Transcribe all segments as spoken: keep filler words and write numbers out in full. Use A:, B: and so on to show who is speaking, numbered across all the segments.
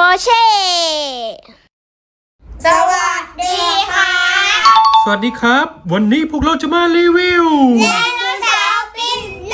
A: เช่สวัสดีค่ะ
B: สวัสดีครับวันนี้พวกเราจะมารีวิว
A: ไดโนเสาร์บินได้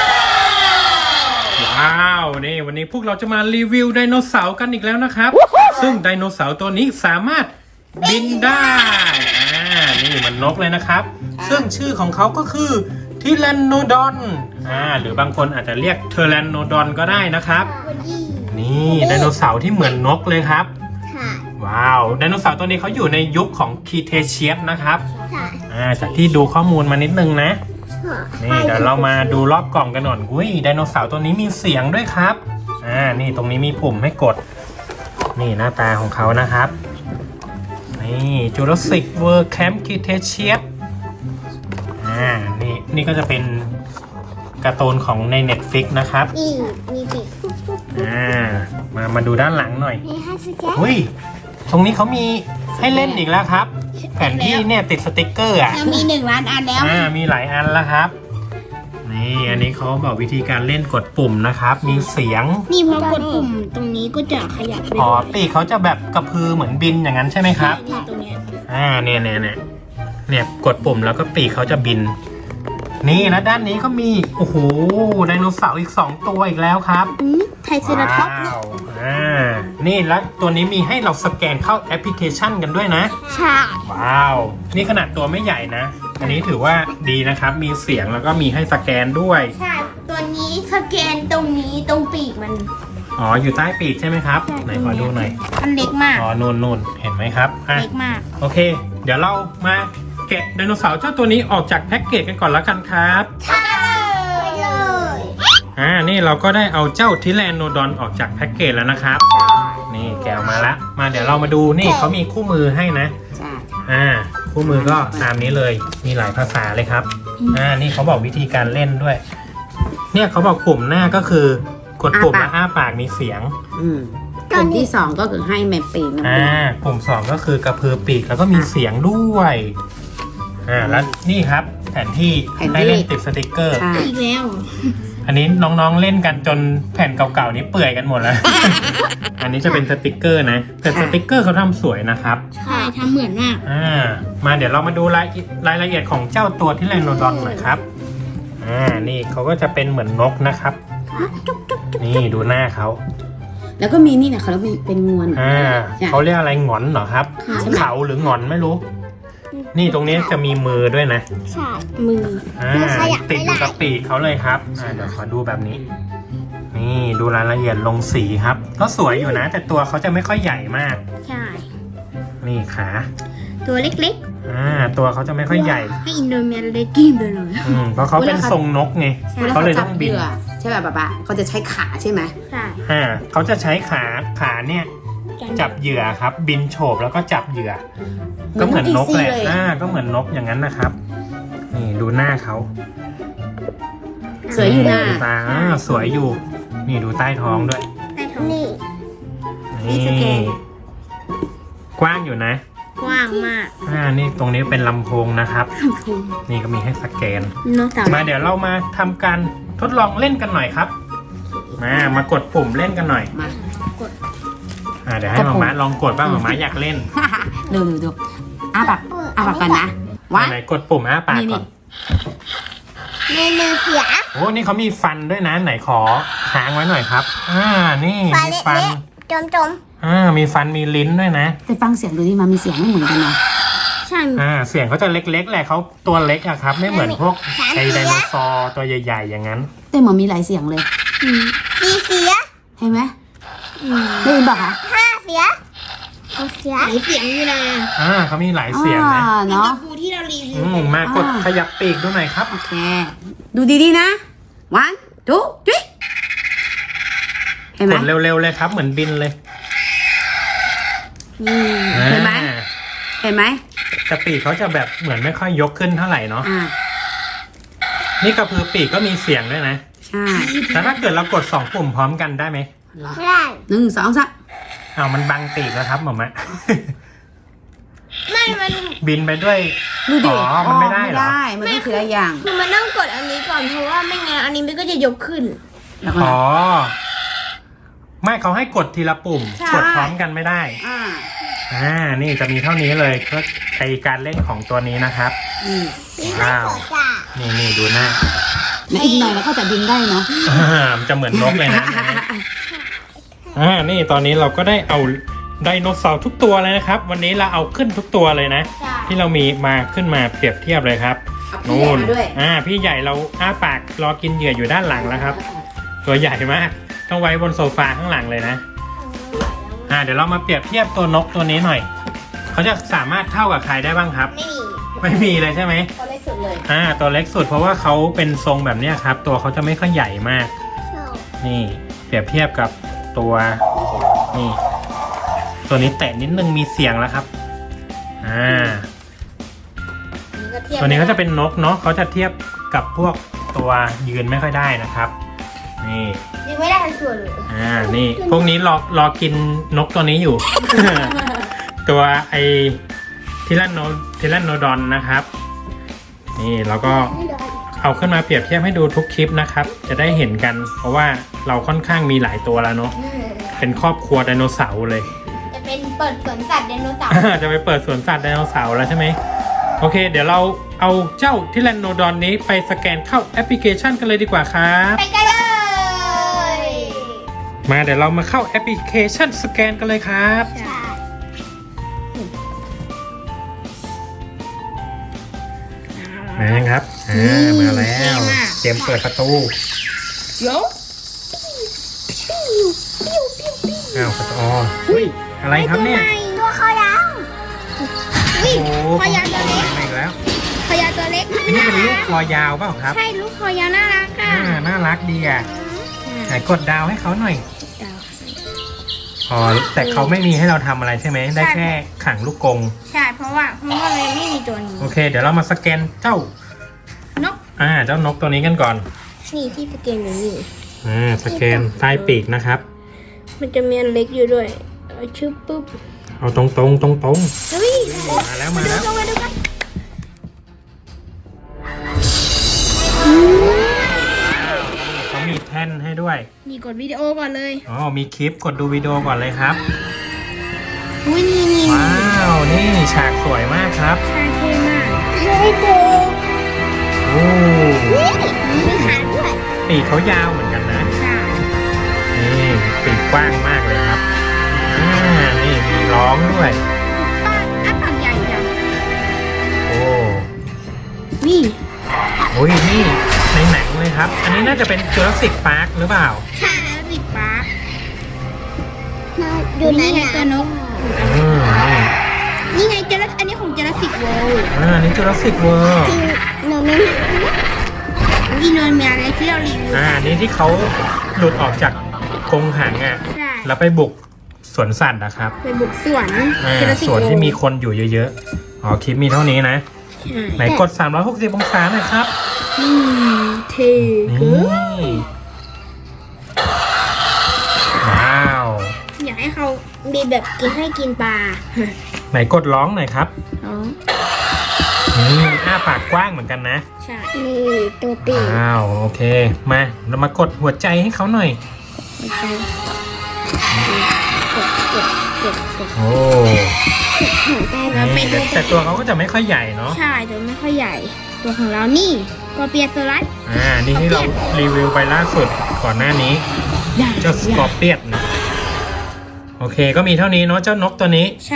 B: ว้าวนี่วันนี้พวกเราจะมารีวิวไดโนเสาร์กันอีกแล้วนะครับซึ่งไดโนเสาร์ตัวนี้สามารถบินได้อ่านี่มันนกเลยนะครับซึ่งชื่อของเขาก็คือทิแรนโนดอนอ่าหรือบางคนอาจจะเรียกเทแรนโนดอนก็ได้นะครับนี่ไดโนเสาร์ที่เหมือนนกเลยครับว้าวไดโนเสาร์ตัวนี้เขาอยู่ในยุคของคีเทเชียสนะครับอ่าจากที่ดูข้อมูลมานิดนึงนะนี่เดี๋ยวเรามาดูรอบกล่องกันหน่อยอุ้ยไดโนเสาร์ตัวนี้มีเสียงด้วยครับอ่านี่ตรงนี้มีปุ่มให้กดนี่หน้าตาของเขานะครับนี่ Jurassic World Camp Cretaceous อ่านี่นี่ก็จะเป็นการ์ตูนของใน Netflix นะครับ
A: นี่มีปีก
B: อ่ามามาดูด้านหลังหน่อย
A: มีห้าสแกน
B: อุ้ยตรงนี้เขามีให้เล่นอีกแล้วครับแผนที่เนี่ยติดสติกเกอร์อ่ะ
A: มีหนึ่งล้านอันแล้ว
B: อ่ามีหลายอันแล้วครับนี่อันนี้เขาบอกวิธีการเล่นกดปุ่มนะครับมีเสียง
A: นี่พอกดปุ่มตรงนี้ก็จะขยับ
B: อ๋อปีกเขาจะแบบกระพือเหมือนบินอย่างนั้นใช่ไหมครับ
A: นี่ตรงนี้
B: อ่าเนี่ยเนี่ยเนี่ยเนี่ยกดปุ่มแล้วก็ปีกเขาจะบินนี่นะด้านนี้ก็มีโอ้โหไดโนเสาร์อีกสองตัวอีกแล้วครับ
A: ไทรเซราทอปส์
B: ว้าวอ่านี่แล้วตัวนี้มีให้เราสแกนเข้าแอปพลิเคชันกันด้วยนะ
A: ใช่
B: ว้าวนี่ขนาดตัวไม่ใหญ่นะอันนี้ถือว่าดีนะครับมีเสียงแล้วก็มีให้สแกนด้วย
A: ใช่ตัวนี้สแกนตรงนี้ตรงปีกมัน
B: อ๋ออยู่ใต้ปีกใช่ไหมครับไหนขอดูหน่อย
A: มันเล็กมาก
B: อ๋อนูนนูนเห็นไหมครับ
A: เล็กมาก
B: โอเคเดี๋ยวเรามาแกะไดโนเสาร์เจ้าตัวนี้ออกจากแพ็กเกจกันก่อนแล้วกันครับ
A: ใช่เลย
B: อ่านี่เราก็ได้เอาเจ้าทิแรนโนดอนออกจากแพ็กเกจแล้วนะครับนี่แกะออกมาละมาเดี๋ยวเรามาดูนี่เขามีคู่มือให้นะอ่าคู่มือก็ตามนี้เลยมีหลายภาษาเลยครับอ่านี่เขาบอกวิธีการเล่นด้วยเนี่ยเขาบอกปุ่มหน้าก็คือกดปุ่มแล้วอ้าปากมีเสียง
C: อืมปุ่มที่สองก็คือให้แมปปีก
B: อ่าปุ่มสองก็คือกระพือปีกแล้วก็มีเสียงด้วยอ่าแล้วนี่ครับแผนที่ให้เล่นติดสติกเกอร์
A: อีกแล้ว
B: อันนี้น้องๆเล่นกันจนแผ่นเก่าๆนี้เปื่อยกันหมดแล้ว อันนี้จะเป็นสติกเกอร์นะแต่สติกเกอร์เขาทำสวยนะครับ
A: ใช่ทำเหมือนมาก
B: อ่ามาเดี๋ยวเรามาดูรายรายละเอียดของเจ้าตัวทิแรนโนดอนหน่อยครับอ่านี่เขาก็จะเป็นเหมือนนกนะครับนี่ดูหน้าเขา
C: แล้วก็มีนี่นะเขาแล้วเป็นงวน
B: อ่าเขาเรียกอะไรหงอนเหรอครับเขาหรือหงอนไม่รู้นี่ตรงนี้จะมีมือด้วยนะ
A: ใช่มือ
B: อ่าติดอยู่กับปีกเขาเลยครับอ่าเดี๋ยวขอดูแบบนี้นี่ดูรายละเอียดลงสีครับก็สวยอยู่นะแต่ตัวเขาจะไม่ค่อยใหญ่มาก
A: ใช่
B: นี่ขา
A: ตัวเล็ก
B: ๆอ่าตัวเขาจะไม่ค่อยใหญ่
A: ให้อินโดเมียเลยกิ้มไปเลย
B: อืมเพราะเขาเป็นทรงนกไงเขาเลยต้องบิน
C: ใช่ป่ะป๊าป๊าเขาจะใช้ขาใช่ไหม
A: ใช่
B: อ่าเขาจะใช้ขาขาเนี่ยจับเหยื่อครับบินโฉบแล้วก็จับเหยื่อก็เหมือนนกแหละอ่าก็เหมือนนกอย่างนั้นนะครับนี่ดูหน้าเขา
C: สวยอยู่นะ
B: ตาสวยอยู่นี่ดูใต้ท้องด้วย
A: ใต้ท้องนี่
B: นี่กว้างอยู่นะ
A: กว้างมาก
B: อ่านี่ตรงนี้เป็นลำโพงนะครับนี่ก็มีให้สแกนมาเดี๋ยวเรามาทำการทดลองเล่นกันหน่อยครับมามากดปุ่มเล่นกันหน่อย
A: มากด
B: อ่าเดี๋ยวให้หมาม้าลองกดบ้างหมาม้าอยากเล่น
C: ดูดูดูอ้าปากอ้าปากกันนะ
B: ว่าไหนกดปุ่มอ้าปากก่อน
A: เมนูเสีย
B: โอ้นี่เขามีฟันด้วยนะไหนขอค้างไว้หน่อยครับอ่านี่มีฟัน
A: จมจม
B: อ่ามีฟันมีลิ้นด้วยนะ
C: แต่ฟังเสียงดูดิมันมีเสียงไม่เหมือนกันนะ
A: ใช่
B: อ่าเสียงเขาจะเล็กๆแหละเขาตัวเล็กอะครับไม่เหมือนพวกไอไดโนเสาร์ตัวใหญ่ๆอย่างนั้น
C: แต่เหมือนมีหลายเสียงเลย
A: สี่เสีย
C: เห็นไหมได้ยินป่ะคะ
A: ห้าเสียหกเสียหลายเสียงอยู่นะ
B: อ่าเขามีหลายเสียงนะ
C: เนาะ
A: ปูที่เรารีวิ
B: วมากดขยับปีกดูหน่อยครับ
C: โอเคดูดีๆนะ one two three เห็นไหม
B: กดเร็วๆเลยครับเหมือนบินเลย
C: เห็นไหมเห็นไหม
B: แต่ปีกเขาจะแบบเหมือนไม่ค่อยยกขึ้นเท่าไหร่เนาะนี่กระพือปีกก็มีเสียงด้วยนะ
C: ใช่
B: แต่ถ้าเกิดเรากดสองปุ่มพร้อมกันได้ไหม
A: ได้
C: หนึ่งสองสาม
B: อ้าวมันบังปีกแล้วครับหมอมะ
A: ไม่มัน
B: บินไปด้วย
C: ดูดิ
B: อ๋อมันไม่ได้หรอ
C: มันต้องทีละอย่าง
A: คือมันต้องกดอันนี้ก่อนเพราะว่าไม่งั้นอันนี้มันก็จะยกขึ้น
B: อ๋อไม่เขาให้กดทีละปุ่ม
C: ใช่
B: กดพร้อมกันไม่ได้
C: อ่า
B: อ่า นี่จะมีเท่านี้เลยก็ไอการเล่นของตัวนี้นะครับ
C: อืม
B: ว้าว นี่นี่ดูหน้า
C: แล้วอีกหน่อยเราก็จะบินได้เนาะ
B: อ่ามันจะเหมือนนกเลยนะอ่า นี่ตอนนี้เราก็ได้เอาไดโนเสาร์ทุกตัวเลยนะครับ วันนี้เราเอาขึ้นทุกตัวเลยนะ
A: ใช่
B: ที่เรามีมาขึ้นมาเปรียบเทียบเลยครับ
C: เอาพี่ใหญ่มาด้วย
B: อ่า พี่ใหญ่เราอ้าปากรอกินเหยื่ออยู่ด้านหลังแล้วครับ ตัวใหญ่มาก ต้องไว้บนโซฟาข้างหลังเลยนะ อ่า เดี๋ยวเรามาเปรียบเทียบตัวนกตัวนี้หน่อย เขาจะสามารถเท่ากับใครได้บ้างครับ
A: ไม่มี
B: ไม่มีเลยใช่ไหม
C: ตัวเล็กสุดเลย
B: อ่า ตัวเล็กสุดเพราะว่าเขาเป็นทรงแบบเนี้ยครับ ตัวเขาจะไม่ค่อยใหญ่มาก นี่เปรียบเทียบกับตัวนี่ ตัวนี้แตะนิดนึงมีเสียงแล้วครับ อ่า ตัวนี้ก็จะเป็นนกเนาะเขาจะเทียบกับพวกตัวยืนไม่ค่อยได้นะครับ นี่
A: ยังไม่ได้ทันส่วนเลย
B: อ่า นี่ พวกนี้รอรอกินนกตัวนี้อยู่ ตัวไอทิลันโนทิลันโนดอนนะครับ นี่แล้วก็เอาขึ้นมาเปรียบเทียบให้ดูทุกคลิปนะครับ จะได้เห็นกัน เพราะว่าเราค่อนข้างมีหลายตัวแล้วเนาะ เป็นครอบครัวไดโนเสาร์เลย
A: จะเป็นเปิดสวนสัตว์ไดโนเสาร์
B: จะไปเปิดสวนสัตว์ไดโนเสาร์แล้วใช่ไหม โอเค เดี๋ยวเราเอาเจ้าทิลันโนดอนนี้ไปสแกนเข้าแอปพลิเคชันกันเลยดีกว่าครับ
A: ไปกันเลย
B: มาเดี๋ยวเรามาเข้าแอปพลิเคชันสแกนกันเลยครับ
A: ใช่
B: มาครับ อ่า มาแล้ว เตรียมเปิดประตู
C: เดี๋ยว
B: อ้าวประตูอ๋ออุ้ย อะไรครับเนี่ย
A: ตัวคอยาว
B: โอ้
A: วิ่ง
B: โห
A: คอยาวตัวเล็ก
B: มาอีกแล้ว
A: คอยาวตัวเล็ก
B: อันนี้เป็นลูกคอยาวเปล่าครับ
A: ใช่ลูกคอยาวน่ารักอ่ะ
B: อ่า น่ารักดีอ่ะไหนกดดาวให้เขาหน่อย อ๋อ แต่เขาไม่มีให้เราทำอะไรใช่ไหม ได้แค่ขังลูกกรง
A: ใช่เพราะว่าเพราะว่าเลยไม่มีตัวนี้
B: โอเค เดี๋ยวเรามาสแกนเจ้า
A: นก
B: อ่า เจ้านกตัวนี้กันก่อน
A: นี่ที่สเกนอยู่นี่
B: อ่า สแกนใต้ปีกนะครับ
A: มันจะมีอันเล็กอยู่ด้วยเอาชื่อปุ๊บ
B: เอาตรงตรงตรงตรง
A: เฮ้ย
B: ๆมาแล้วมาแล้ว
A: ลงมาดูกัน
B: เขามีแท่นให้ด้วย
A: นี่กดวิดีโอก่อนเลย
B: อ๋อ มีคลิปกดดูวิดีโอก่อนเลยครับ
A: อุ้ยนี่นี่
B: ว้าว นี่ฉากสวยมากครับ
A: ชาเท่มากเฮ้ยเด็ก
B: โอ้
A: นี่มีขาด้วย
B: ปีกเขายาวเหมือนกันนะ
A: ใช่
B: นี่ปีกกว้างมากเลยครับ อ่า นี่มีร้องด้วย
A: ป้าอ้าปากใหญ่จัง
B: โอ้
A: นี่
B: โอ้ยนี่ในหนังเลยครับ อันนี้น่าจะเป็นจูราสสิกพาร์คหรือเปล่า
A: ใช่แล้วติดปากอยู่ไหนตัวนก
B: อืมนี่
A: นี่ไงเจลอันนี้ของเจลสิกโวล
B: อ่าอันนี่จูราสสิกเวิร์
A: โนเมนอีโนเมียอะไรที่เรารีวิว
B: อ่าอันนี้ที่เขาหลุดออกจากกรงหังอ่ะ
A: ใช่
B: แล้วไปบุกสวนสัตว์นะครับ
A: ไปบุกสวน
B: อ่า
A: เจลสิก
B: ส
A: โว
B: วน
A: ล
B: ที่มีคนอยู่เยอะๆ อ๋อ คลิปมีเท่านี้นะ ไหนกด สามร้อยหกสิบ องศาหน่อยครับ
A: นี่เท่
B: นี่ว้าว
A: อยากให้เขามีแบบกินให้กินปลา
B: ไหนกดร้องหน่อยครับ
A: อ๋อ
B: นี่อ้าปากกว้างเหมือนกันนะ
A: ใช่นี่ตัวปีก
B: ว้าว โอเค มา เรามากดหัวใจให้เขาหน่อย
A: กดกดกดกด
B: โอ้
A: หัวใจแล้วเป็น
B: แต่แต่ตัวเขาก็จะไม่ค่อยใหญ่เนาะ
A: ใช่ตัวไม่ค่อยใหญ่ ตัวของเรานี่ตัวเปียโซลัส
B: อ่า นี่ที่เรารีวิวไปล่าสุดก่อนหน้านี้
A: ใหญ่
B: เจ้าสกอร์เปียนนะโอเค ก็มีเท่านี้เนาะ เจ้านกตัวนี้
A: ใช่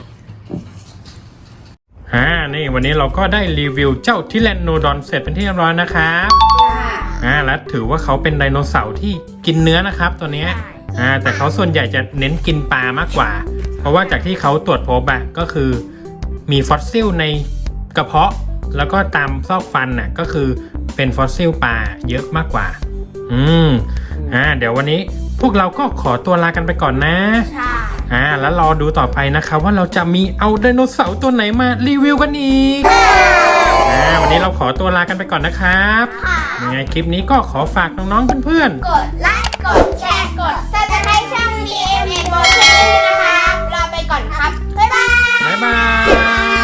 B: อ่า นี่วันนี้เราก็ได้รีวิวเจ้าทิแลนโนดอนเสร็จเป็นที่เรียบร้อยนะครับ อ่า แล้วถือว่าเขาเป็นไดโนเสาร์ที่กินเนื้อนะครับตัวเนี้ย อ่า แต่เขาส่วนใหญ่จะเน้นกินปลามากกว่า เพราะว่าจากที่เขาตรวจพบอะก็คือมีฟอสซิลในกระเพาะ แล้วก็ตามซอกฟันน่ะก็คือเป็นฟอสซิลปลาเยอะมากกว่า อืม อ่า เดี๋ยววันนี้พวกเราก็ขอตัวลากันไปก่อนนะ
A: ใช่
B: อ่า แล้วรอดูต่อไปนะครับว่าเราจะมีเอาไดโนเสาร์ตัวไหนมารีวิวกันอีก อ่า วันนี้เราขอตัวลากันไปก่อนนะครับยังไงคลิปนี้ก็ขอฝากน้องๆเพื่อนๆ
A: กดไลค์ กดแชร์ กดซับสไครต์ช่อง ดี เอ็ม เอ็ม โมชั่นนะครับ ลาไปก่อนครับ บ๊ายบาย
B: บ๊ายบาย